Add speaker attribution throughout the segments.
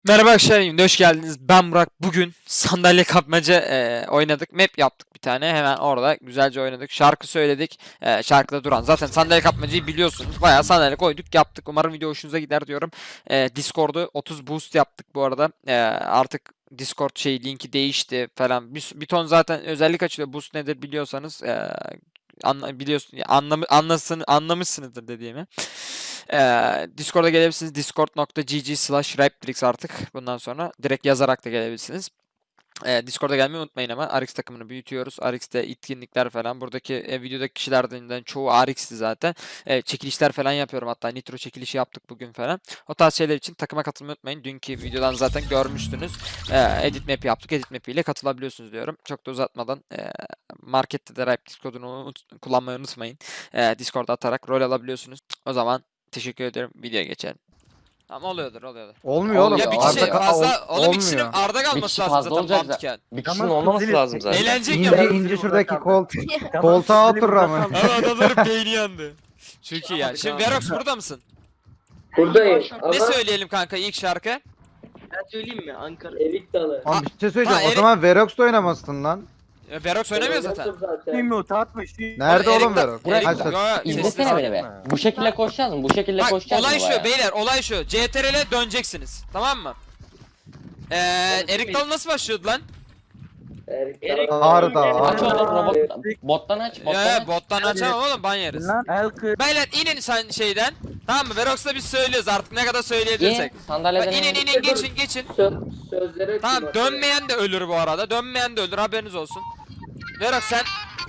Speaker 1: Merhaba arkadaşlar, hoş geldiniz. Ben Burak. Bugün sandalye kapmaca oynadık. Map yaptık bir tane. Hemen orada güzelce oynadık. Şarkı söyledik. Şarkıda duran. Zaten sandalye kapmacayı biliyorsunuz. Bayağı sandalye koyduk, yaptık. Umarım video hoşunuza gider diyorum. Discord'u 30 boost yaptık bu arada. Artık Discord linki değişti falan. Bir ton zaten özellik açılıyor. Boost nedir biliyorsanız biliyorsun anlamışsınızdır dediğimi. Discord'a gelebilirsiniz. Discord.gg/Raptrix artık. Bundan sonra direkt yazarak da gelebilirsiniz. Discord'a gelmeyi unutmayın ama Arix takımını büyütüyoruz. Arix'te etkinlikler falan. Buradaki videodaki kişilerden çoğu Arix'ti zaten. Çekilişler falan yapıyorum. Hatta Nitro çekilişi yaptık bugün falan. O tarz şeyler için takıma katılmayı unutmayın. Dünkü videodan zaten görmüştünüz. Edit map yaptık. Edit map ile katılabiliyorsunuz diyorum. Çok da uzatmadan markette de Raptrix kodunu kullanmayı unutmayın. Discord'a atarak rol alabiliyorsunuz. O zaman teşekkür ederim. Videoya geçelim. Ama oluyordur.
Speaker 2: Olmuyor oğlum.
Speaker 1: Ya bir
Speaker 2: Arda
Speaker 1: kişi fazla, oğlum bir kişinin
Speaker 2: olmuyor.
Speaker 1: Arda
Speaker 3: Bir
Speaker 1: kalması
Speaker 3: kişi
Speaker 1: lazım
Speaker 3: fazla
Speaker 1: zaten
Speaker 3: olacak
Speaker 1: mantıken.
Speaker 3: Bir kişinin olmaması lazım zaten.
Speaker 1: Eğlenecek
Speaker 2: İnce
Speaker 1: ya.
Speaker 2: ince şuradaki koltuğa otur ama.
Speaker 1: Ama adamların beyni yandı. Çok iyi yani. Şimdi Verox burada mısın?
Speaker 4: Buradayım ama
Speaker 1: Ne söyleyelim kanka ilk şarkı?
Speaker 5: Ben söyleyeyim mi? Ankara.
Speaker 4: Erik Dalı.
Speaker 2: Oğlum bir şey söyleyeceğim.
Speaker 1: Ha,
Speaker 2: O zaman Verox'ta oynamasın lan.
Speaker 1: Verox oynamıyor zaten.
Speaker 5: Bilmiyorum atmış.
Speaker 2: Nerede
Speaker 1: Oğlum,
Speaker 2: oğlum
Speaker 1: Erik-
Speaker 2: Verox?
Speaker 1: Erik-
Speaker 2: Kaç
Speaker 1: Yo, yo,
Speaker 3: İzlesene
Speaker 1: sesli-
Speaker 3: beni be. Bu şekilde koşacağız mı? Bu şekilde
Speaker 1: Bak
Speaker 3: koşacağız mı
Speaker 1: olay şu
Speaker 3: bayağı?
Speaker 1: beyler, olay şu. CTRL'e döneceksiniz. Tamam mı? Erik Dal nasıl başlıyordu lan?
Speaker 4: Erik
Speaker 5: Erik
Speaker 4: Dalı.
Speaker 2: Arda,
Speaker 3: Aç
Speaker 2: Arda.
Speaker 3: oğlum robot. Bottan aç.
Speaker 1: Ya
Speaker 3: Bottan
Speaker 1: ya
Speaker 3: aç.
Speaker 1: bottan açamam oğlum, ban yeriz.
Speaker 5: Elkı.
Speaker 1: Beyler inin sen şeyden. Tamam mı? Verox'la biz söylüyoruz artık ne kadar söyleyebilirsek.
Speaker 3: İyi.
Speaker 1: Bak,
Speaker 3: Sandalyeden
Speaker 1: inin geçin.
Speaker 4: Sözlere
Speaker 1: Tamam, dönmeyen de ölür bu arada. Dönmeyen de ölür, haberiniz olsun. Verox sen.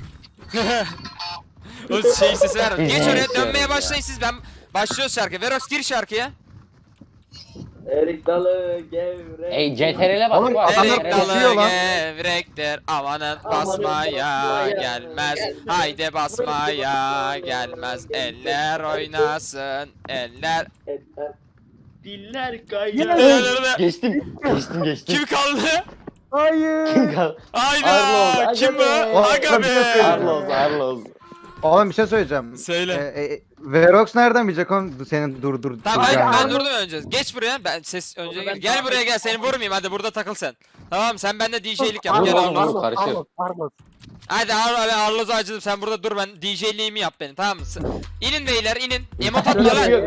Speaker 1: O şey sesi ver. Geç oraya, dönmeye başlayın siz. Ben başlıyoruz şarkı. Verox gir şarkıya.
Speaker 4: Erik Dalı gevrek.
Speaker 3: Ey CTRL'e bak.
Speaker 2: Oğlum,
Speaker 3: bu
Speaker 2: adamlar
Speaker 1: Erik
Speaker 3: CTRL 'e.
Speaker 2: koşuyor
Speaker 1: dalı
Speaker 2: lan.
Speaker 1: gevrektir, amanın
Speaker 4: Amanın
Speaker 1: basmaya
Speaker 4: basmaya
Speaker 1: gelmez.
Speaker 4: gelmez.
Speaker 1: Haydi basmaya gelmez. Eller oynasın, eller.
Speaker 5: Diller kayıyor.
Speaker 3: Geçtim.
Speaker 1: Kim kaldı?
Speaker 3: Kim kaldı?
Speaker 1: Hayda!
Speaker 3: Arloz,
Speaker 1: Kim bu?
Speaker 3: aga be.
Speaker 1: Aga be!
Speaker 3: Arloz.
Speaker 2: Oğlum bir şey söyleyeceğim.
Speaker 1: Söyle.
Speaker 2: Verox nereden bilecek oğlum senin dur.
Speaker 1: Tamam ben
Speaker 2: yani.
Speaker 1: durdum önce. Geç buraya. Ben ses önce
Speaker 5: Orada ben
Speaker 1: gel
Speaker 5: daha-
Speaker 1: buraya, gel seni vurmayayım, hadi burada takıl sen. Tamam, sen bende DJ'lik yap. Gel
Speaker 3: Arloz,
Speaker 1: Arloz.
Speaker 3: karışıyor.
Speaker 1: Hadi Arloz'u acıdım, sen burada dur, ben DJ'liğimi yap benim, tamam mı? İnin beyler, inin. Emot atma lan.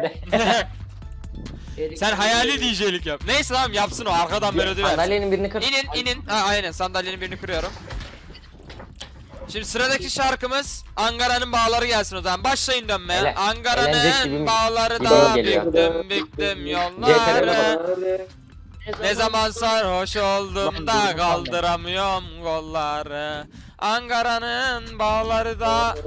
Speaker 1: Sen hayali DJ'lik yap. Neyse tamam, yapsın o, arkadan melodi versin.
Speaker 3: Sandalyenin birini kır.
Speaker 1: İnin. Ha aynen, sandalyenin birini kırıyorum. Şimdi sıradaki şarkımız Ankara'nın bağları gelsin o zaman. Başlayın dönmeye.
Speaker 3: Eğlencek gibi
Speaker 1: Ankara'nın
Speaker 3: bir
Speaker 1: bağları
Speaker 3: video
Speaker 1: da
Speaker 3: geliyor.
Speaker 1: büktüm
Speaker 3: CTRL'e
Speaker 1: yolları. Ne zaman sarhoş oldum da kaldıramıyorum kolları. Ankara'nın bağları da.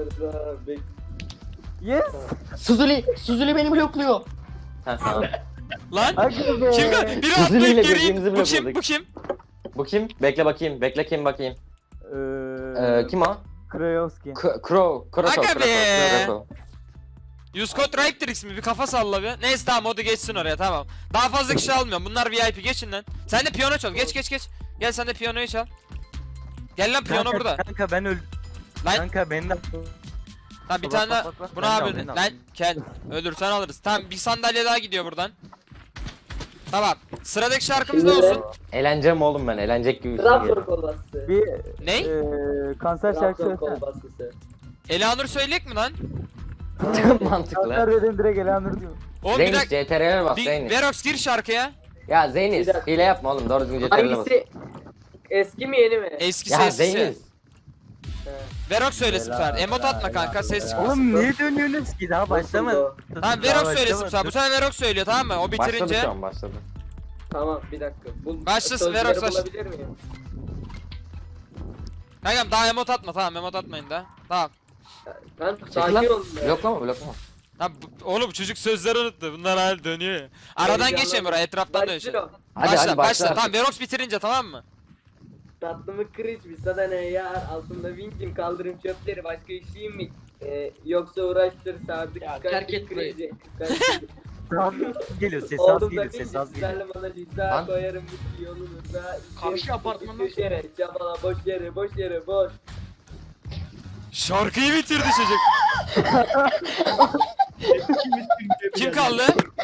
Speaker 3: Suzuli beni blokluyor. Ha tamam.
Speaker 1: Lan kim? Biri
Speaker 3: Suzuli ile
Speaker 1: atlayıp geri.
Speaker 3: birbirimizi
Speaker 1: Bu kim?
Speaker 3: blokladık.
Speaker 1: Bu kim?
Speaker 3: Bu kim? Bekle bakayım. Kim o?
Speaker 6: Krayovski.
Speaker 1: Aga be. Yuskot Raptrix mi? Bir kafa salla bir. Neyse tamam, modu geçsin oraya, tamam. Daha fazla kişi almıyorum. Bunlar VIP, geçin lan. Sen de piyano çal. Geç. Gel sen de piyanoyu çal. Gel lan, piyano burada.
Speaker 6: Kanka ben öldüm.
Speaker 1: Lan
Speaker 6: Kanka benden.
Speaker 1: ha, bir
Speaker 6: Bak,
Speaker 1: tane
Speaker 6: bak,
Speaker 1: daha.
Speaker 6: bak, bak.
Speaker 1: Bu ne
Speaker 6: Ben de
Speaker 1: abi?
Speaker 6: aldım, ben de
Speaker 1: Lan
Speaker 6: aldım.
Speaker 1: gel. Ölürsen alırız. Tamam, bir sandalye daha gidiyor buradan. Tamam. Sıradaki şarkımız ne
Speaker 4: Şimdi de-
Speaker 1: olsun?
Speaker 3: Eğleneceğim oğlum ben. Eğlenecek gibi bir şey
Speaker 4: Trabzon
Speaker 3: geliyor.
Speaker 4: kolbası.
Speaker 6: Bir
Speaker 1: Ne?
Speaker 6: kanser şarkı
Speaker 4: Trabzon
Speaker 6: söylesene.
Speaker 4: kolbasısı.
Speaker 1: Elanur söyleyecek mi lan?
Speaker 3: Mantıklı.
Speaker 6: Kanser dedim direkt Elanur diyor.
Speaker 1: Oğlum bir
Speaker 3: Zeynis
Speaker 1: dakika.
Speaker 3: CTRL'e bak Zeynis.
Speaker 1: Verox gir şarkıya.
Speaker 3: Ya Zeynis
Speaker 4: Bir dakika.
Speaker 3: hile yapma oğlum, doğru düzgün CTRL'e bak.
Speaker 4: Hangisi? Eski mi yeni mi?
Speaker 1: Eski
Speaker 3: Ya
Speaker 1: sessiz.
Speaker 3: Zeynis.
Speaker 1: Verox söylesin bu sefer. Emot atma kanka, ses çıkmasın.
Speaker 6: Oğlum niye dönüyorsunuz ki daha başlamadı.
Speaker 1: Tamam, Verox söylesin bu sefer. Bu sefer Verox söylüyor, tamam mı? O
Speaker 3: Başladı
Speaker 1: bitirince.
Speaker 3: şu an başladı.
Speaker 4: Tamam bir dakika.
Speaker 1: Başlasın,
Speaker 4: sözleri
Speaker 1: Verox baş-
Speaker 4: bulabilir miyim?
Speaker 1: Kankam daha emot atma, tamam, emot atmayın da. Tamam.
Speaker 4: Ben
Speaker 3: Çekil
Speaker 4: sakin
Speaker 3: lan.
Speaker 4: olun ya.
Speaker 3: Bloklama.
Speaker 1: Ha, oğlum çocuk sözleri unuttu. Bunlar hal dönüyor ya. Aradan
Speaker 4: Heyecanlandım.
Speaker 1: geçelim buraya, etraftan dön
Speaker 4: Başla
Speaker 1: şimdi.
Speaker 4: o.
Speaker 3: Hadi
Speaker 1: Başla. Tamam, Verox bitirince, tamam mı?
Speaker 4: Tatlımı kırış bir sana ne yar altında vinçim kaldırım çöpleri başka işim mi? Yoksa uğraştır sardık.
Speaker 5: Ya,
Speaker 4: kıskançlık
Speaker 5: terk et burayı.
Speaker 4: krizi, kıskançlık.
Speaker 6: Geliyor ses az
Speaker 4: Oğlum da
Speaker 6: geliyor
Speaker 4: vinçim
Speaker 6: ses az geliyor.
Speaker 4: sizlerle bana cüzdan
Speaker 3: Lan.
Speaker 4: koyarım bu yolunuza.
Speaker 5: Karşı apartmandan
Speaker 4: Köşere çabala boş yere boş.
Speaker 1: Şarkıyı bitirdi çocuk. Kim kaldı?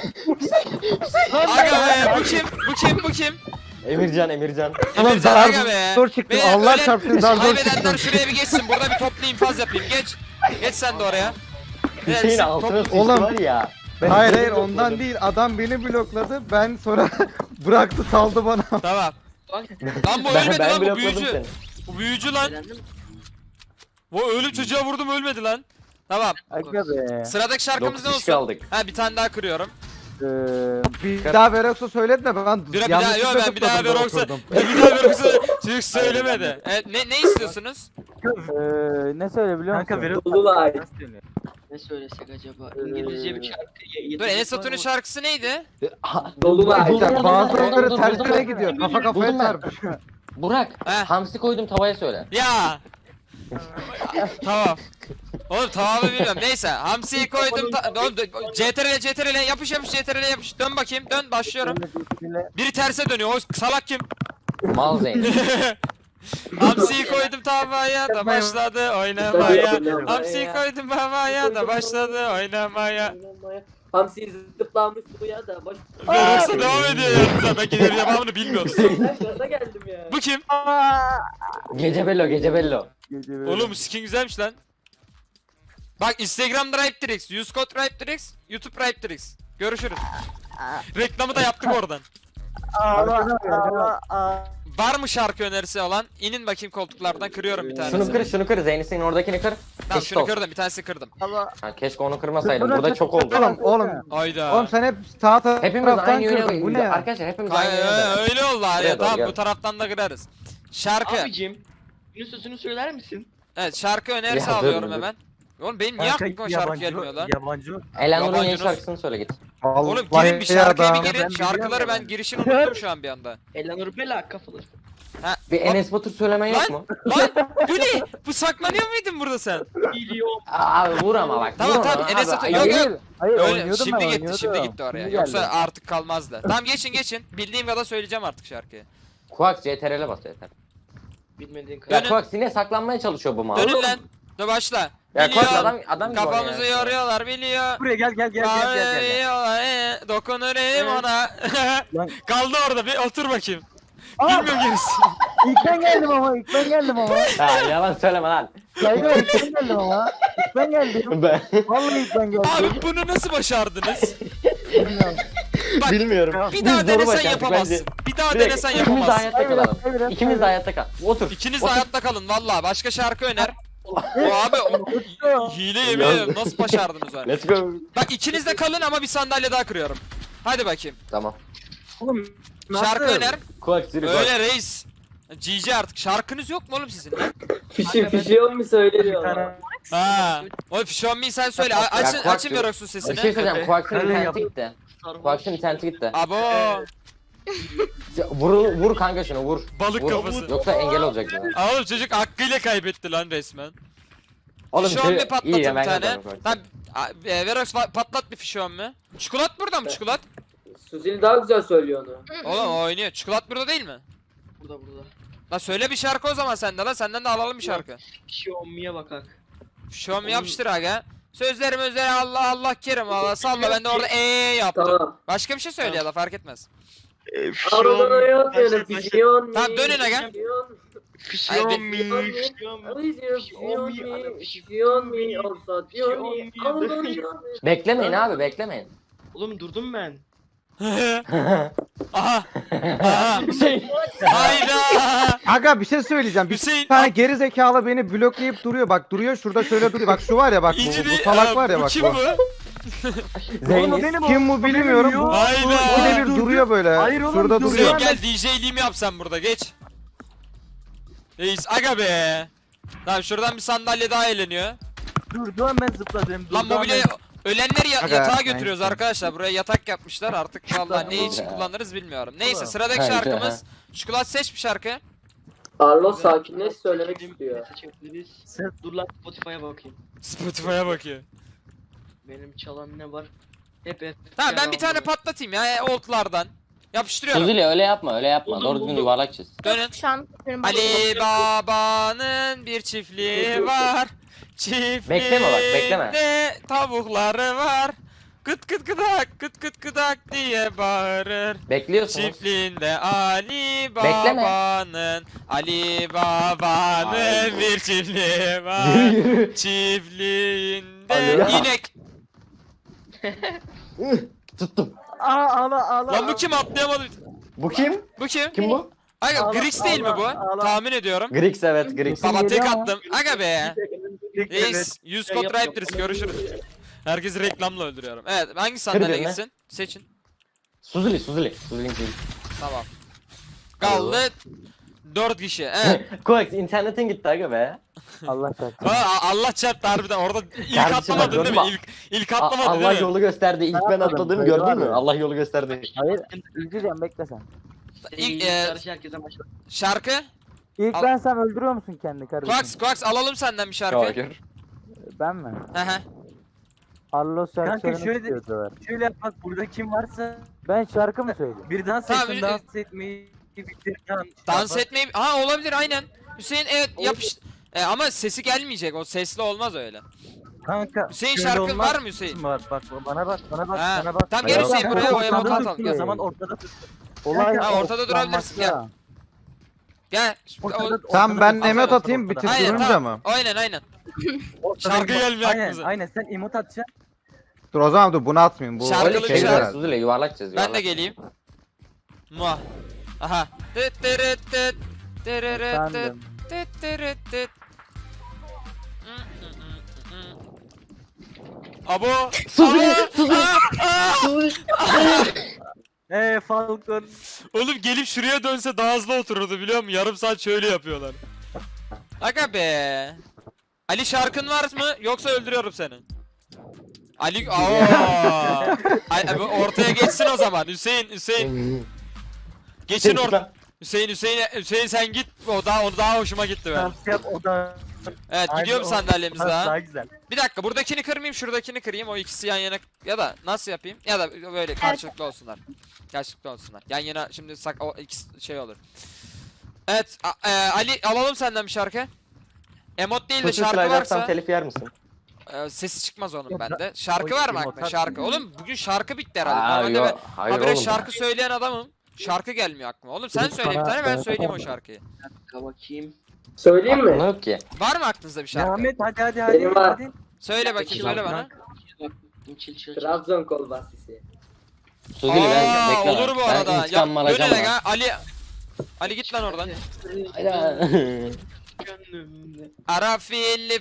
Speaker 1: Aga be, bu kim?
Speaker 7: Emircan.
Speaker 2: Oğlum
Speaker 1: Emircan, aga be.
Speaker 2: zor çıktım.
Speaker 1: Beyler,
Speaker 2: Allah
Speaker 1: ölen-
Speaker 2: çarpsın zar zor
Speaker 1: Kaybedenler
Speaker 2: çıktım.
Speaker 1: şuraya bir geçsin. Burada bir toplu infaz yapayım. Geç. Geç sen de oraya.
Speaker 7: Hüseyin
Speaker 1: Evet,
Speaker 7: altına sıçtı
Speaker 2: Oğlum.
Speaker 7: var ya.
Speaker 2: Hayır ondan değil. Adam beni blokladı. Ben sonra bıraktı saldı bana.
Speaker 1: Tamam. Lan bu
Speaker 7: Ben
Speaker 1: ölmedi lan, bu
Speaker 7: blokladım
Speaker 1: büyücü.
Speaker 7: seni.
Speaker 1: Bu büyücü lan. Bu ölüm çocuğa vurdum ölmedi lan. Tamam.
Speaker 6: Aga be.
Speaker 1: Sıradaki şarkımız ne
Speaker 7: 9 kişi
Speaker 1: olsun?
Speaker 7: kaldık.
Speaker 1: Ha, bir tane daha kırıyorum.
Speaker 2: Bir daha Verox'a söyledi de ben
Speaker 1: Bir daha yok, ben bir daha
Speaker 2: zıpladım,
Speaker 1: Verox'a
Speaker 2: oturdum.
Speaker 1: bir daha Verox'a çocuk söylemedi. Evet, ne istiyorsunuz?
Speaker 6: Ne söyle biliyor musun?
Speaker 5: Kanka Verox
Speaker 4: Dolunay.
Speaker 5: ne söylesek acaba? İngilizce bir şarkı.
Speaker 1: Dur, Enes Batur'un şarkısı neydi?
Speaker 4: Dolunay.
Speaker 2: İşte bazıları
Speaker 7: Buldum,
Speaker 2: tersine
Speaker 7: buldum.
Speaker 2: gidiyor. Kafa kafaya
Speaker 7: Buldum ben.
Speaker 2: çarpışıyor.
Speaker 7: Burak.
Speaker 1: Heh.
Speaker 7: Hamsi koydum tavaya söyle.
Speaker 1: Ya. Tamam. Oğlum tamamı bilmiyorum. Neyse. Hamsi'yi koydum. Oğlum, CTRL yapış CTRL yapış. Dön bakayım. Dön, başlıyorum. Biri terse dönüyor. O salak kim?
Speaker 7: Mal Zeynep.
Speaker 1: Hamsi'yi koydum tavaya da başladı oynamaya. Hamsi'yi koydum tavaya da başladı oynamaya.
Speaker 4: Hamsi zıplamış suya da boş.
Speaker 1: Verox'a devam ediyor yalnız. Ben gelirim yapamını bilmiyordum.
Speaker 4: Ben gaza geldim ya.
Speaker 1: Bu kim?
Speaker 7: Gece bello.
Speaker 1: Oğlum bu skin güzelmiş lan. Bak, Instagram Drive use code Drive YouTube Drive Görüşürüz. Reklamı da yaptık oradan. Var mı şarkı önerisi olan? İnin bakayım koltuklardan, kırıyorum bir tanesini.
Speaker 7: Şunu kır. Zeynep'in oradakini kır.
Speaker 1: Tamam,
Speaker 7: Eşit
Speaker 1: şunu
Speaker 7: olsun.
Speaker 1: kırdım, bir tanesini kırdım.
Speaker 7: Ha, keşke onu kırmasaydım. Burada çok oldu.
Speaker 2: Oğlum
Speaker 1: Ayda.
Speaker 2: sen hep sağ
Speaker 7: Hepimiz
Speaker 2: taraftan
Speaker 7: aynı yöne
Speaker 2: kırdın. Bu ne ya?
Speaker 7: Arkadaşlar hepimiz aynı yöne.
Speaker 1: Öyle oldu abi.
Speaker 7: Buraya doğru
Speaker 1: Tamam,
Speaker 7: gel.
Speaker 1: bu taraftan da kırarız. Şarkı.
Speaker 5: Abicim. Bunun sözünü söyler misin?
Speaker 1: Evet, şarkı önerisi
Speaker 7: Ya, dur,
Speaker 1: alıyorum
Speaker 7: dur.
Speaker 1: hemen. Oğlum benim niye aklıma şarkı gelmiyor lan?
Speaker 6: Yabancı.
Speaker 7: Elanur'un yeni
Speaker 1: Yabancı
Speaker 7: şarkısını söyle git.
Speaker 1: Oğlum
Speaker 2: Vallahi
Speaker 1: girin bir şarkıya bir
Speaker 2: adam.
Speaker 1: girin. Şarkıları ben girişini unuttum şu an bir anda.
Speaker 5: Elanur Bela kafalı.
Speaker 7: Bir Enes Batur söylemen yok mu?
Speaker 1: Lan bu ne? Bu saklanıyor muydun burada sen?
Speaker 5: Biliyorum.
Speaker 7: Abi vur ama bak.
Speaker 1: Tamam,
Speaker 7: vur
Speaker 1: tamam,
Speaker 7: ama.
Speaker 1: Enes
Speaker 7: Abi,
Speaker 1: Batur-
Speaker 7: ayıp.
Speaker 1: yok, yok.
Speaker 6: Hayır
Speaker 1: Öyle
Speaker 6: oynuyordum
Speaker 1: şimdi
Speaker 6: ben,
Speaker 1: gitti,
Speaker 6: oynuyordum.
Speaker 1: şimdi gitti oraya.
Speaker 6: Şimdi
Speaker 1: Yoksa
Speaker 6: geldi.
Speaker 1: artık kalmazdı. Tamam, geçin. Bildiğim kadar söyleyeceğim artık şarkıyı.
Speaker 7: Kuak CTRL'e bas yeter.
Speaker 5: Bilmediğin
Speaker 7: Ya
Speaker 5: kadar.
Speaker 1: Dönün.
Speaker 7: Kuak yine saklanmaya çalışıyor bu mal.
Speaker 1: Dönün lan. Dur, başla.
Speaker 7: Ya Kuak
Speaker 1: Biliyor.
Speaker 7: adam gibi
Speaker 1: Kafamızı
Speaker 7: oynuyor.
Speaker 1: yoruyorlar, biliyor.
Speaker 6: Buraya gel.
Speaker 1: Bağırıyorlar, dokunurum ona.
Speaker 6: Lan.
Speaker 1: Kaldı orada, bir otur bakayım.
Speaker 6: Aa!
Speaker 1: Bilmiyorum gerisi.
Speaker 6: İlk ben geldim ama.
Speaker 7: Ya yalan söyleme lan.
Speaker 6: Saygı ilk ben geldim ama. İlk ben geldim.
Speaker 7: Ben
Speaker 6: Vallahi ilk ben geldim.
Speaker 1: Abi bunu nasıl başardınız?
Speaker 6: Bilmiyorum.
Speaker 1: Bak,
Speaker 7: bilmiyorum.
Speaker 1: bir daha
Speaker 7: Biz
Speaker 1: denesen
Speaker 7: doğru bak
Speaker 1: yapamazsın.
Speaker 7: artık
Speaker 1: Bir daha
Speaker 7: bence.
Speaker 1: denesen
Speaker 7: İkimiz de
Speaker 1: yapamazsın.
Speaker 7: hayatta kalalım.
Speaker 6: Hayır,
Speaker 7: İkimiz de hayatta kal. Otur.
Speaker 1: İkiniz de hayatta kalın valla. Başka şarkı öner. O abi hile yemin ederim, nasıl başardınız öyle?
Speaker 7: Let's go.
Speaker 1: Bak, ikiniz de kalın ama bir sandalye daha kırıyorum. Hadi bakayım.
Speaker 7: Tamam.
Speaker 6: Oğlum,
Speaker 1: Şarkı
Speaker 6: nasıl?
Speaker 1: öner.
Speaker 7: Kuak sürü kuak.
Speaker 1: Öyle reis. GG artık. Şarkınız yok mu oğlum sizin lan?
Speaker 4: Fişiyor mu
Speaker 6: Bir
Speaker 4: söylüyor.
Speaker 6: tane.
Speaker 1: Ha. O Show Me sen söyle. Açın
Speaker 7: Kuak
Speaker 1: açın
Speaker 7: diyor.
Speaker 1: Verox'un
Speaker 7: Bir
Speaker 1: sesini.
Speaker 7: şey söyleyeceğim. Kuak'ın
Speaker 6: Öyle
Speaker 7: interneti
Speaker 6: yap.
Speaker 7: gitti.
Speaker 5: Sarhoş.
Speaker 7: Kuak'ın interneti gitti.
Speaker 1: Abo.
Speaker 7: Vur kanka şunu vur.
Speaker 1: Balık
Speaker 7: Vur.
Speaker 1: kafası.
Speaker 7: Yoksa engel olacak bize.
Speaker 1: Oğlum çocuk hakkıyla kaybetti lan resmen.
Speaker 7: Oğlum
Speaker 1: Show Me
Speaker 7: iyi
Speaker 1: patlatın
Speaker 7: ya
Speaker 1: bir
Speaker 7: ben
Speaker 1: tane.
Speaker 7: yaparım Kuak.
Speaker 1: Tamam. Verox patlat bir Show Me. Çikolat burada mı çikolat?
Speaker 4: Suzil daha güzel söylüyor onu.
Speaker 1: Oğlum o oynuyor. Çikolat burada değil mi?
Speaker 5: Burada.
Speaker 1: La söyle bir şarkı o zaman sende lan. Senden de alalım bir şarkı.
Speaker 5: Xiaomi'ye bakak.
Speaker 1: Show Me yapıştır aga. Sözlerim özleri Allah Allah kerim Allah salla, ben de orada yaptım.
Speaker 4: Tamam.
Speaker 1: Başka bir şey söyle ya da fark etmez.
Speaker 4: Aradan hayat yani fişiyon mi?
Speaker 1: Tamam, dönün aga.
Speaker 5: Xiaomi.
Speaker 4: Fişiyon mi? Olsa diyor mi?
Speaker 7: Beklemeyin abi beklemeyin.
Speaker 5: Oğlum durdum ben.
Speaker 1: Aha. Aha.
Speaker 7: Hüseyin.
Speaker 1: Hayda.
Speaker 2: Aga bir şey söyleyeceğim. Bir
Speaker 1: Hüseyin.
Speaker 2: tane geri zekalı beni bloklayıp duruyor. Bak duruyor şurada şöyle duruyor. Bak şu var ya bak
Speaker 1: İnci
Speaker 2: bu
Speaker 1: değil.
Speaker 2: salak var ya bak
Speaker 1: kim
Speaker 2: bu.
Speaker 1: bu?
Speaker 7: Zeynep.
Speaker 2: Kim bu bilmiyorum. Bu
Speaker 1: Hayda.
Speaker 2: ikide bir duruyor böyle.
Speaker 6: Hayır oğlum,
Speaker 2: Şurada
Speaker 6: dur
Speaker 1: Hüseyin
Speaker 2: duruyor.
Speaker 6: ya.
Speaker 1: gel DJ'liğimi yap sen burada, geç. Reis aga be. Tamam, şuradan bir sandalye daha eğleniyor.
Speaker 6: Dur ben zıpladım.
Speaker 1: Lan mobilya ölenleri
Speaker 2: Aga,
Speaker 1: yatağa
Speaker 2: ben-
Speaker 1: götürüyoruz arkadaşlar. Buraya yatak yapmışlar artık, vallahi ne için kullanırız bilmiyorum. Neyse,
Speaker 6: Oğlum.
Speaker 1: sıradaki
Speaker 7: Hayda.
Speaker 1: şarkımız. Çikolat seç bir şarkı.
Speaker 4: Carlos sakinleş söylemek istiyor.
Speaker 5: Seçebiliriz. Dur lan Spotify'a bakayım.
Speaker 1: Spotify'a bakıyor.
Speaker 5: Benim çalan ne var? Hep.
Speaker 1: Tamam, ben bir tane patlatayım ya oldlardan. Yapıştırıyorum.
Speaker 7: Suzuli öyle yapma öyle yapma.
Speaker 5: Buldum,
Speaker 7: Doğru düzgün
Speaker 5: buldum.
Speaker 7: yuvarlak çiz.
Speaker 1: Dönün.
Speaker 8: Şu an benim
Speaker 1: Ali Baba'nın bir çiftliği var.
Speaker 7: Bekleme bak, bekleme.
Speaker 1: Çiftliğinde tavukları var. Kıt kıt kıdak, kıt kıt kıdak diye bağırır.
Speaker 7: Bekliyorsunuz.
Speaker 1: Çiftliğinde Ali
Speaker 7: Bekleme.
Speaker 1: Baba'nın, Ali Baba'nın
Speaker 7: Ay.
Speaker 1: bir çiftliği var. Çiftliğinde
Speaker 7: Alo.
Speaker 1: inek.
Speaker 7: Tuttum.
Speaker 6: Ağla.
Speaker 1: Lan bu kim, atlayamadı.
Speaker 7: Bu kim?
Speaker 1: Bu kim?
Speaker 7: Kim bu?
Speaker 1: Aga
Speaker 6: Ağla,
Speaker 1: Grix değil mi bu?
Speaker 6: ağla.
Speaker 1: Tahmin ediyorum.
Speaker 7: Grix, evet Grix.
Speaker 1: Baba tek
Speaker 6: geliyor ama.
Speaker 1: attım. Aga be.
Speaker 6: Evet.
Speaker 1: Reis 100 kod
Speaker 5: Yap, yap.
Speaker 1: Raptors, görüşürüz. Herkesi reklamla öldürüyorum. Evet, hangi sandalye
Speaker 7: birine.
Speaker 1: gitsin? Seçin.
Speaker 7: Suzuli.
Speaker 1: Tamam. Kaldı 4 kişi. Evet.
Speaker 7: Koax internetin gitti aga be.
Speaker 6: Allah çarpsın.
Speaker 1: Allah çarptı harbiden. Orada ilk
Speaker 7: Kardeşim,
Speaker 1: atlamadın
Speaker 7: gördün
Speaker 1: değil mi?
Speaker 7: mü?
Speaker 1: İlk atlamadın
Speaker 7: Allah
Speaker 1: değil mi?
Speaker 7: yolu gösterdi. İlk ben
Speaker 6: Atladım,
Speaker 7: atladığımı
Speaker 6: hayır,
Speaker 7: gördün mü?
Speaker 6: abi.
Speaker 7: Allah yolu gösterdi.
Speaker 6: Hayır, izleyeceğim bekle sen.
Speaker 1: İlk,
Speaker 5: Karşı herkese başla.
Speaker 1: şarkı.
Speaker 6: İlk
Speaker 1: Al.
Speaker 6: ben sen öldürüyor musun kendini kardeşim?
Speaker 1: Quax alalım senden bir şarkı.
Speaker 7: Hayır.
Speaker 6: Ben mi?
Speaker 1: Hı hı.
Speaker 6: Arlos şarkı
Speaker 8: Kanka
Speaker 6: söylemek
Speaker 8: şöyle de-
Speaker 6: istiyordular.
Speaker 8: Şöyle yap bak, burada kim varsa
Speaker 6: Ben şarkı mı söyleyeyim?
Speaker 8: bir dans
Speaker 1: Tamam,
Speaker 8: etsin, dans etmeyi bitir.
Speaker 1: Dans etmeyi... Ha, olabilir aynen. Hüseyin evet yapış... ama sesi gelmeyecek. O sesli olmaz öyle.
Speaker 8: Kanka.
Speaker 1: Hüseyin
Speaker 8: şöyle
Speaker 1: şarkın
Speaker 8: olmaz
Speaker 1: var mı Hüseyin?
Speaker 8: Var bak, bana bak, bana bak,
Speaker 1: Ha,
Speaker 8: bana bak.
Speaker 1: tamam,
Speaker 6: gel Hüseyin,
Speaker 8: Kanka,
Speaker 6: buraya o
Speaker 8: ortada
Speaker 6: emote
Speaker 8: tut,
Speaker 6: atalım.
Speaker 8: O zaman ortada tut.
Speaker 6: Olay
Speaker 1: Ha, ortada durabilirsin, gel.
Speaker 6: odaklanmakta.
Speaker 1: Gel.
Speaker 8: Ortada,
Speaker 2: Tamam ben
Speaker 1: Aferin,
Speaker 2: emet atayım
Speaker 8: ortada.
Speaker 1: Aynen
Speaker 2: bitirtirince
Speaker 1: tamam.
Speaker 2: mi?
Speaker 1: Aynen.
Speaker 8: Ortada
Speaker 1: Şarkı
Speaker 8: emote-
Speaker 1: gelmiyor
Speaker 8: Aynen,
Speaker 1: aklımıza.
Speaker 8: aynen sen emot atacaksın.
Speaker 2: Dur o zaman dur bunu atmayayım. Bu
Speaker 1: Şarkılı
Speaker 7: Öyle
Speaker 1: bir
Speaker 7: şey
Speaker 1: şarkı.
Speaker 7: var. Suzuli yuvarlak çiz.
Speaker 1: Ben de
Speaker 7: yuvarlak.
Speaker 1: geleyim. Muah. Aha. Tıt tırıt tıt. Tırırıt tıt.
Speaker 6: Efendim.
Speaker 1: Tıt tırıt tıt. Abo.
Speaker 7: Suzuli,
Speaker 8: Falcon.
Speaker 1: Oğlum gelip şuraya dönse daha hızlı otururdu biliyor musun? Yarım saat şöyle yapıyorlar. Aga be. Ali şarkın var mı? Yoksa öldürüyorum seni. Ali Ay, ortaya geçsin o zaman. Hüseyin. Geçin orta. Hüseyin sen git. O daha hoşuma gitti benim.
Speaker 8: Dans yap, o da.
Speaker 1: Evet,
Speaker 8: Aynen,
Speaker 1: gidiyorum
Speaker 8: o-
Speaker 1: sandalyemiz
Speaker 8: Daha
Speaker 1: daha.
Speaker 8: güzel.
Speaker 1: Bir dakika, buradakini kırmayayım, şuradakini kırayım. O ikisi yan yana, ya da nasıl yapayım? Ya da böyle karşılıklı olsunlar. Karşılıklı olsunlar. Yan yana şimdi o ikisi şey olur. Evet, Ali alalım senden bir şarkı. Emot değil de
Speaker 7: Suzuli
Speaker 1: şarkı
Speaker 7: sıraylarsam
Speaker 1: varsa
Speaker 7: telif yer misin?
Speaker 1: sesi çıkmaz onun
Speaker 8: Yok,
Speaker 1: bende. Şarkı
Speaker 8: o
Speaker 1: var mı
Speaker 8: emot
Speaker 1: aklına?
Speaker 8: at-
Speaker 1: Şarkı. Oğlum bugün şarkı bitti herhalde.
Speaker 7: Aa,
Speaker 1: Normalde
Speaker 7: yo,
Speaker 1: ben
Speaker 7: hayır
Speaker 1: habire
Speaker 7: oğlum.
Speaker 1: şarkı söyleyen adamım. Şarkı gelmiyor aklıma. Oğlum sen söyle bir tane, ben söyleyeyim o şarkıyı.
Speaker 5: Dakika bakayım.
Speaker 4: Söyleyeyim mi?
Speaker 7: Aklına yok ki.
Speaker 1: Var mı aklınızda bir şarkı?
Speaker 8: Ahmet hadi
Speaker 4: Benim var.
Speaker 8: hadi.
Speaker 1: Söyle bakayım, söyle bana.
Speaker 5: Çil.
Speaker 4: Trabzon kol basisi.
Speaker 7: Suzuli ben
Speaker 1: Aa,
Speaker 7: bekle.
Speaker 1: olur bu
Speaker 7: Ben
Speaker 1: arada. Ya
Speaker 7: intikam alacağım
Speaker 1: dönerek
Speaker 7: lan.
Speaker 1: ha. Ali git lan oradan.
Speaker 5: Gönlümde.
Speaker 1: Arafilli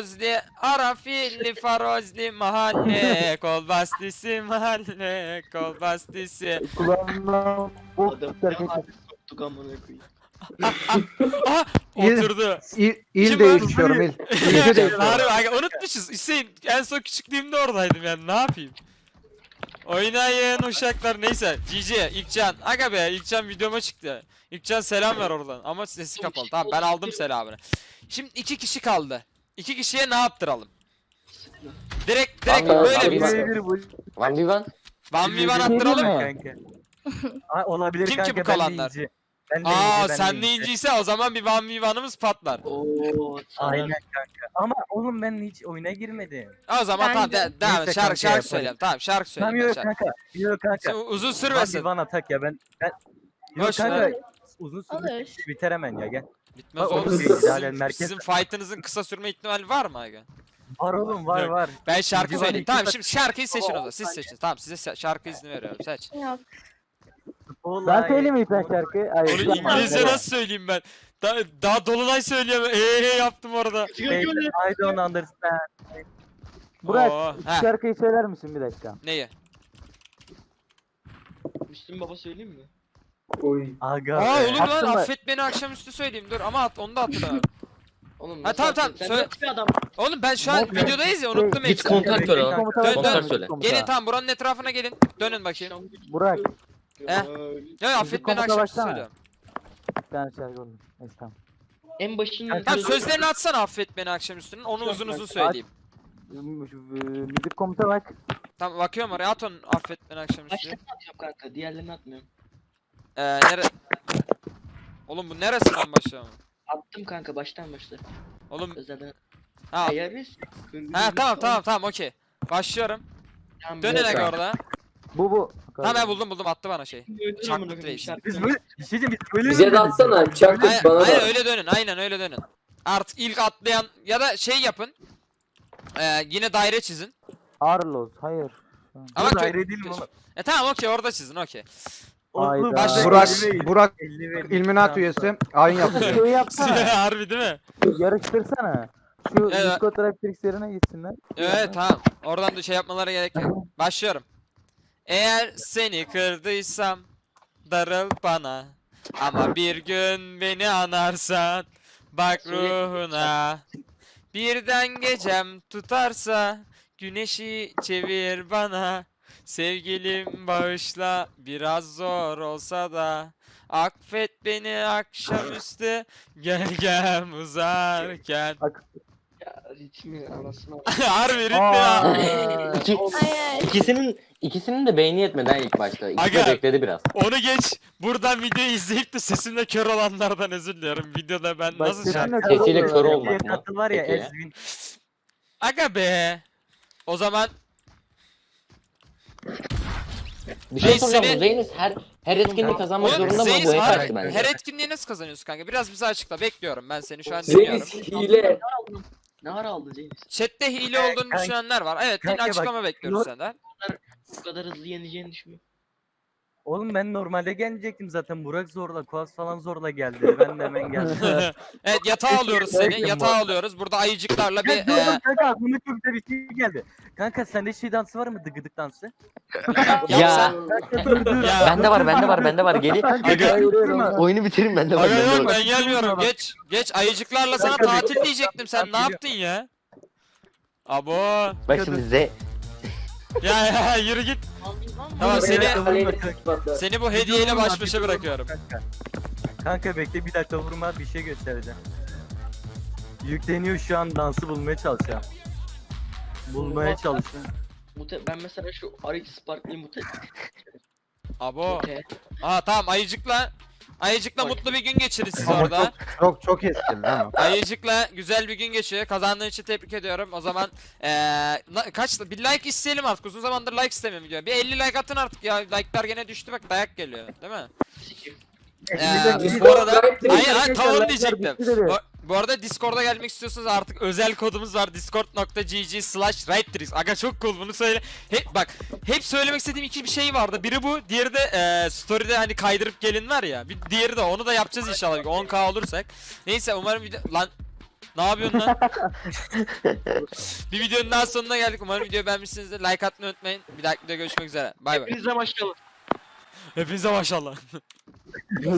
Speaker 1: farozli mahalle kol bastisi mahalle kol bastisi.
Speaker 6: Kulağımdan bok
Speaker 5: Adam
Speaker 6: şarkı
Speaker 5: koptuk amına koyayım.
Speaker 1: Aha
Speaker 2: İl-
Speaker 1: oturdu.
Speaker 2: il
Speaker 1: Kim
Speaker 2: değiştiriyorum il. İlde değiştiriyorum.
Speaker 1: Harbi aga, unutmuşuz. Hüseyin en son küçüklüğümde oradaydım yani, ne yapayım? Oynayın uşaklar, neyse. GG İlkcan. Aga be, İlkcan videoma çıktı. İlkcan selam ver oradan ama sesi kapalı. Tamam, ben aldım selamını. Şimdi 2 kişi kaldı. 2 kişiye ne yaptıralım? Direkt
Speaker 7: Vallahi
Speaker 1: böyle
Speaker 7: abi
Speaker 1: bir
Speaker 7: bak.
Speaker 8: Bir bu.
Speaker 7: 1v1.
Speaker 1: 1v1 attıralım mı?
Speaker 8: Kanka. Aa, olabilir
Speaker 1: Kim ki
Speaker 8: kanka,
Speaker 1: bu
Speaker 8: ben de
Speaker 1: kalanlar?
Speaker 8: inci. Ben de
Speaker 1: Aa
Speaker 8: inci, ben
Speaker 1: sen de
Speaker 8: inci.
Speaker 1: inciyse o zaman bir 1v1'ımız patlar.
Speaker 5: Oo.
Speaker 8: Aynen kanka. Ama oğlum ben hiç oyuna girmedim.
Speaker 1: O zaman tamam, devam et.
Speaker 8: Neyse
Speaker 1: Şarkı
Speaker 8: kanka,
Speaker 1: söyleyeyim. Tamam, şarkı
Speaker 8: Tamam
Speaker 1: söyleyeyim.
Speaker 8: yok
Speaker 1: Şarkı.
Speaker 8: kanka. Yok kanka.
Speaker 1: Uzun
Speaker 8: Hadi
Speaker 1: sürmesin.
Speaker 8: bana tak ya, ben yok
Speaker 1: Boş
Speaker 8: kanka.
Speaker 1: ver.
Speaker 8: Uzun
Speaker 9: Olur.
Speaker 8: süre biter hemen ya, gel.
Speaker 1: Bitmez
Speaker 8: Bak,
Speaker 1: oğlum.
Speaker 8: olur değil, yani merkez-
Speaker 1: Sizin fight'ınızın kısa sürme ihtimali var mı aga?
Speaker 8: Var oğlum, var
Speaker 1: Yok.
Speaker 8: var.
Speaker 1: Ben şarkı
Speaker 8: İkinci var,
Speaker 1: söyleyeyim.
Speaker 8: iki
Speaker 1: Tamam,
Speaker 8: var.
Speaker 1: şimdi şarkıyı seçin o zaman. Siz seçin. Tamam, size şarkı izni veriyorum. Seç.
Speaker 9: Yok.
Speaker 6: Ben söyleyeyim mi bir şarkı? Hayır.
Speaker 1: Onu
Speaker 6: yapma.
Speaker 1: İngilizce nasıl söyleyeyim ben? Daha Dolunay söyleyemem. Yaptım orada.
Speaker 8: I don't understand.
Speaker 6: Burak
Speaker 1: Oo,
Speaker 6: iki
Speaker 1: ha.
Speaker 6: şarkıyı söyler misin bir dakika?
Speaker 1: Neyi?
Speaker 5: Müslüm Baba söyleyeyim mi?
Speaker 4: Oy.
Speaker 8: Aga
Speaker 1: Aa
Speaker 8: be.
Speaker 1: olur lan,
Speaker 6: Attın mı?
Speaker 1: affet beni akşamüstü söyleyeyim. Dur ama onu da hatırlamıyorum.
Speaker 5: Oğlum
Speaker 1: Ha, tamam, tamam,
Speaker 5: Sen
Speaker 1: söyle.
Speaker 5: nasıl bir adam?
Speaker 1: Oğlum ben şu an
Speaker 6: Yok,
Speaker 1: videodayız ya, unuttum
Speaker 7: Git
Speaker 1: hepsini.
Speaker 7: kontak söyle lan.
Speaker 6: Komuta
Speaker 1: Dön,
Speaker 6: var mı?
Speaker 1: dön.
Speaker 7: söyle.
Speaker 6: Komuta.
Speaker 1: Gelin tamam, buranın etrafına gelin. Dönün bakayım.
Speaker 6: Burak
Speaker 1: Ya affet beni
Speaker 6: komuta
Speaker 1: akşamüstü
Speaker 6: baksana.
Speaker 1: söylüyorum.
Speaker 6: bir tane şarkı oldu. Neyse tamam.
Speaker 5: En başının
Speaker 1: Tamam, sözlerini atsana affet beni akşamüstünün. Onu uzun uzun söyleyeyim.
Speaker 6: Müzik komuta bak.
Speaker 1: Tamam, bakıyorum oraya, at onu affet beni akşamüstü.
Speaker 5: Başlarını atacağım kanka. Diğerlerini atmıyorum.
Speaker 1: Nere... Oğlum bu neresinden başlayalım?
Speaker 5: Attım kanka baştan başla.
Speaker 1: Oğlum
Speaker 5: Özelden.
Speaker 1: Ha,
Speaker 5: Ayarız.
Speaker 1: ha tamam okey. Başlıyorum. Dön
Speaker 7: Yok
Speaker 1: hele
Speaker 7: ya.
Speaker 1: orada.
Speaker 6: Bu.
Speaker 1: Tamam ben buldum attı bana şey. Çaklık reis.
Speaker 6: Biz böyle bir şey diyeceğim, biz böyle
Speaker 4: Bize de
Speaker 6: mi
Speaker 4: atsana. Çaktık
Speaker 1: Aynen,
Speaker 4: bana
Speaker 1: aynen
Speaker 4: da.
Speaker 1: öyle dönün. Aynen öyle dönün. Artık ilk atlayan ya da şey yapın. Yine daire çizin.
Speaker 6: Arlos, hayır.
Speaker 1: Ama
Speaker 8: Ama daire değilim oğlum.
Speaker 1: tamam okey orada çizin okey.
Speaker 6: Hayda.
Speaker 1: Baş-
Speaker 2: Burak
Speaker 8: 50 ve
Speaker 2: Illuminati üyesi. Ayin yapıyor.
Speaker 6: Şey yapsana.
Speaker 1: Harbi değil mi?
Speaker 6: Yarıştırsana. Şu
Speaker 1: Evet.
Speaker 6: Discord Raptrix yerine gitsinler.
Speaker 1: Evet tamam. Oradan da şey yapmalara gerek yok. Başlıyorum. Eğer seni kırdıysam darıl bana. Ama bir gün beni anarsan bak ruhuna. Birden gecem tutarsa güneşi çevir bana. Sevgilim bağışla biraz zor olsa da. Affet beni akşamüstü gölgem uzarken.
Speaker 5: Ya ritmi anasını.
Speaker 1: Harbi ritmi ya.
Speaker 7: İkisinin de beyni yetmedi ha ilk başta. İkisi de
Speaker 1: Aga.
Speaker 7: bekledi biraz.
Speaker 1: Onu geç. Buradan videoyu izleyip de sesimle kör olanlardan özür diliyorum. Videoda ben
Speaker 6: Bak,
Speaker 1: nasıl
Speaker 6: sesinle
Speaker 1: şarkı...
Speaker 6: kör
Speaker 7: Sesiyle
Speaker 6: oluyor
Speaker 7: kör
Speaker 6: ya.
Speaker 7: olmak
Speaker 8: Bir
Speaker 7: mı?
Speaker 8: katıl var ya
Speaker 7: Peki.
Speaker 8: Ezvin.
Speaker 1: Aga be. O zaman
Speaker 7: Bir şey
Speaker 1: Reis
Speaker 7: soracağım.
Speaker 1: seni-
Speaker 7: Bu Zeynis her etkinliği kazanmak
Speaker 1: Oğlum,
Speaker 7: zorunda mı?
Speaker 1: Zeynep,
Speaker 7: Bu hep
Speaker 1: hayır,
Speaker 7: açtı bence.
Speaker 1: her etkinliği nasıl kazanıyorsun kanka? Biraz bize açıkla. Bekliyorum ben seni şu an dinliyorum.
Speaker 4: Zeynep hile.
Speaker 5: Ne ara aldın Zeynep?
Speaker 1: Chat'te hile olduğunu
Speaker 6: Kanka-
Speaker 1: düşünenler var. Evet, yine
Speaker 6: kanka bak,
Speaker 1: açıklama bekliyoruz
Speaker 6: yok.
Speaker 1: senden.
Speaker 5: Bu kadar hızlı yeneceğini düşünmüyorum.
Speaker 6: Oğlum ben normalde gelecektim zaten. Burak zorla, Kuas falan zorla geldi. Ben de hemen geldim.
Speaker 1: Evet, yatağa alıyoruz seni.
Speaker 6: Bekle,
Speaker 1: Yatağa alıyoruz. Burada ayıcıklarla bir...
Speaker 6: Ya dur dur kanka aklıma çok güzel bir şey geldi. Kanka sende şey dansı var mı? Dıgıdık dansı.
Speaker 7: Ya
Speaker 6: Kanka dur dur.
Speaker 1: Ya.
Speaker 7: bende var. Gelin.
Speaker 1: Aga.
Speaker 7: Oyunu bitirin bende var.
Speaker 1: Aga
Speaker 7: bende
Speaker 1: yok
Speaker 7: var.
Speaker 1: ben gelmiyorum. Geç ayıcıklarla sana
Speaker 6: Kanka,
Speaker 1: tatil diyecektim. Sen ne yaptın ya? Abo.
Speaker 7: Bak şimdi
Speaker 1: Ya yürü git. Tamam seni
Speaker 6: Kanka,
Speaker 1: seni bu hediyeyle baş başa bırakıyorum.
Speaker 6: Kanka bekle bir dakika vurma bir şey göstereceğim. Yükleniyor şu an dansı bulmaya çalışacağım. Bulmaya çalışıyorum.
Speaker 5: Ben mesela şu RX Spark'li mute.
Speaker 1: Abo. Tamam Ayıcıkla mutlu bir gün geçirin siz
Speaker 2: Ama
Speaker 1: orada.
Speaker 2: çok eski ama.
Speaker 1: Ayıcıkla güzel bir gün geçiyor. Kazandığın için tebrik ediyorum. O zaman kaç bir like isteyelim artık. Uzun zamandır like istemiyorum video. Bir 50 like atın artık ya. Like'lar gene düştü bak dayak geliyor, değil mi? Bu arada hayır tam onu diyecektim. Bu arada Discord'a gelmek istiyorsanız artık özel kodumuz var. discord.gg/righttricks. Aga çok cool bunu söyle. Hep söylemek istediğim iki bir şey vardı. Biri bu, diğeri de story'de hani kaydırıp gelin var ya. Bir diğeri de onu da yapacağız inşallah 10k olursak. Neyse umarım lan ne yapıyorsun lan? Bir videonun daha sonuna geldik. Umarım videoyu beğenmişsinizdir. Like atmayı unutmayın. Bir dahaki videoda görüşmek üzere. Bay bay.
Speaker 5: Hepinize maşallah.
Speaker 1: Hepinize maşallah.